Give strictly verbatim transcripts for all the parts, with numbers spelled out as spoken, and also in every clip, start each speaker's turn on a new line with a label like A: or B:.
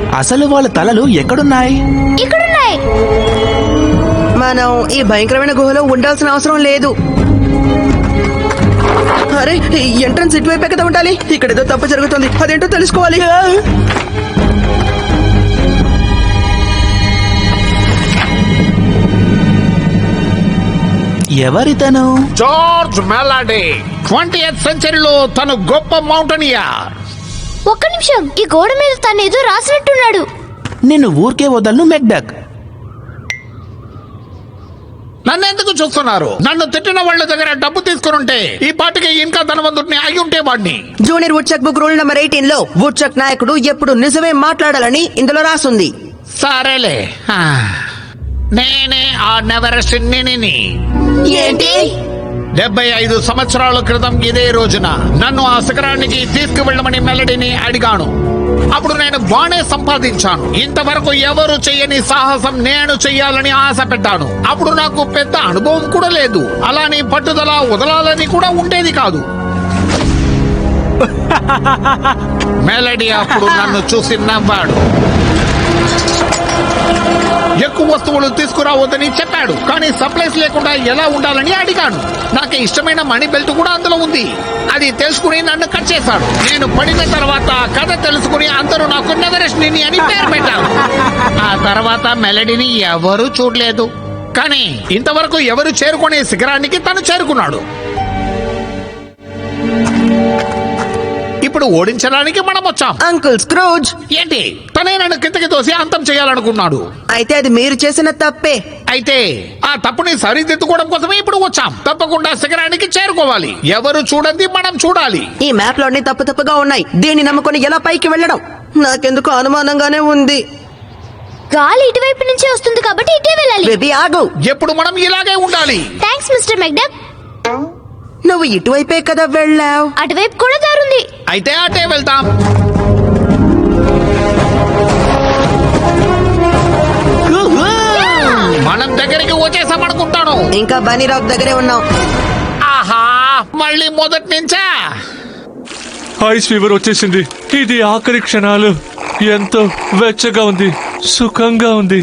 A: అసలు వాళ్ళ తలలు ఎక్కడున్నాయి?
B: ఇక్కడున్నాయి.
C: మనం ఈ భయంకరమైన గుహలో ఉండాల్సిన అవసరం లేదు. అరే, ఎంట్రన్స్ ఇటువైపే కదా ఉండాలి. ఇక్కడేదో తప్పు జరుగుతుంది, అదేంటో తెలుసుకోవాలి.
A: ఎవరితను?
D: జార్జ్ మెలాడీ, ట్వంటీయత్ సెంచరీలో తను గొప్ప మౌంటైనియర్.
B: ఒక్క నిమిషం, ఈ గోడ మీద తను ఏదో రాసినట్టున్నాడు.
A: నిన్ను ఊరికే వదలను మెక్డక్.
D: నన్ను ఎందుకు చూస్తున్నారు? నన్ను తిట్టిన వాళ్ళ దగ్గర డబ్బు తీసుకుని ఈ పాటికి ఇంకా ధనవంతుడిని అయి ఉంటే వాడిని.
C: Junior woodchuck book rule number eighteen లో వుడ్చక్ నాయకుడు ఎప్పుడు నిజమే మాట్లాడాలని ఇందులో రాసుంది.
D: సరేలే, ఆ, నేనే ఆ నెవరెస్ట్ నిని.
C: ఏంటి?
D: డెబ్బై ఐదు సంవత్సరాల క్రితం ఇదే రోజున నన్ను ఆ శిఖరానికి తీసుకువెళ్ళమని మెలడీని అడిగాను. అప్పుడు నేను బానే సంపాదించాను. ఇంతవరకు ఎవరు చెయ్యని సాహసం నేను చెయ్యాలని ఆశ పెట్టాను. అప్పుడు నాకు పెద్ద అనుభవం కూడా లేదు. అలాని పట్టుదల వదలాలని కూడా ఉండేది కాదు. మెలడీ అప్పుడు నన్ను చూసి నవ్వాడు. ఎక్కువ వస్తువులు తీసుకురావద్దని చెప్పాడు, కానీ సప్లైస్ లేకుండా ఎలా ఉండాలని అడిగాను. నాకు ఇష్టమైన మనీ బెల్ట్ కూడా అందులో ఉంది. అది తెలుసుకుని నన్ను కట్ చేశాడు. నేను పడిన తర్వాత కథ తెలుసుకుని అందరూ నాకు నెవరెస్ట్ నిని అని పేరు పెట్టారు. ఆ తర్వాత మెలడీని ఎవరూ చూడలేదు, కానీ ఇంతవరకు ఎవరు చేరుకునే శిఖరానికి తను చేరుకున్నాడు. ఇప్పుడు ఓడించడానికి మనం వచ్చాం.
C: అంకుల్ స్క్రూజ్,
D: ఏంటి? తనే నన్ను కిందకి తోసి అంతం చేయాలనుకున్నాడు.
C: అయితే అది మీరు చేసిన తప్పే.
D: అయితే ఆ తప్పుని సరిదిద్దుకోవడం కోసమే ఇప్పుడు వచ్చాం. తప్పకుండా శిఖరానికి చేరుకోవాలి. ఎవరు చూడండి, మనం చూడాలి.
C: ఈ మ్యాప్ లోని తప్పు తప్పుగా ఉన్నాయి. దీన్ని నమ్ముకొని ఎలా పైకి వెళ్ళడం నాకెందుకు అనుమానంగానే ఉంది.
B: గాలి ఇటువైపు నుంచి వస్తుంది కాబట్టి ఇటే వెళ్ళాలి.
C: బేబీ ఆగు.
D: ఎప్పుడు మనం ఇలాగే ఉండాలి.
B: Thanks mister McDuck.
C: నువ్వు ఇటువైపే కదా వెళ్ళావు.
B: అటువైపు కూడా దారుంది.
D: అయితే అటే వెళ్తాం. మనం దగ్గరికి వచ్చేసాం అనుకుంటాను.
C: ఇంకా బనీ రాక్ దగ్గరే ఉన్నాం.
D: ఆహా, మళ్ళీ మొదటి నుంచా?
E: ఐస్ ఫీవర్ వచ్చేసింది. ఇది ఆఖరి క్షణాలు. ఎంతో వెచ్చగా ఉంది, సుఖంగా ఉంది.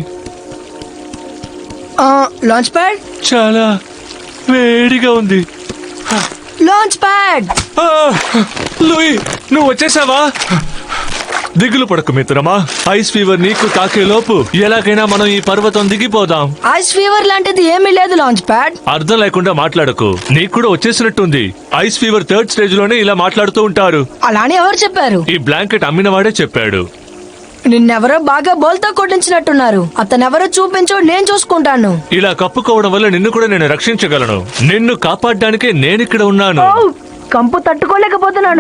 C: లాంచ్ ప్యాడ్
E: చాలా వేడిగా ఉంది.
C: లాంచ్ ప్యాడ్
E: ఆ, లూయి, నువ్వు వచ్చేసావా? దిగులు పడకు మిత్రమా. ఐస్ ఫీవర్ నీకు తాకే లోపు ఎలాగైనా మనం ఈ పర్వతం దిగిపోదాం.
F: ఐస్ ఫీవర్ లాంటిది ఏమీ లేదు లాంచ్ ప్యాడ్.
E: అర్థం లేకుండా మాట్లాడకు. నీకు కూడా వచ్చేసినట్టుంది. ఐస్ ఫీవర్ థర్డ్ స్టేజ్ లోనే ఇలా మాట్లాడుతూ ఉంటారు.
F: అలానే ఎవరు చెప్పారు?
E: ఈ బ్లాంకెట్ అమ్మినవాడే చెప్పాడు.
F: నిన్నెవరో బాగా బోల్తో కొట్టించినట్టున్నారు. అతనెవరో చూపించు, నేను చూసుకుంటాను.
E: ఇలా కప్పుకోవడం వల్ల నిన్ను కూడా నేను రక్షించగలను. నిన్ను కాపాడడానికే నేనిక్కడ ఉన్నాను.
F: ఓ, కంపు తట్టుకోలేకపోతున్నాను.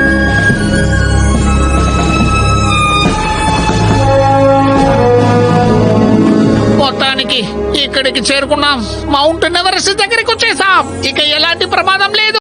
D: మొత్తానికి ఇక్కడికి చేరుకున్నాం. మౌంట్ ఎవరెస్ట్ దగ్గరికి వచ్చేసాం. ఇక ఎలాంటి ప్రమాదం లేదు.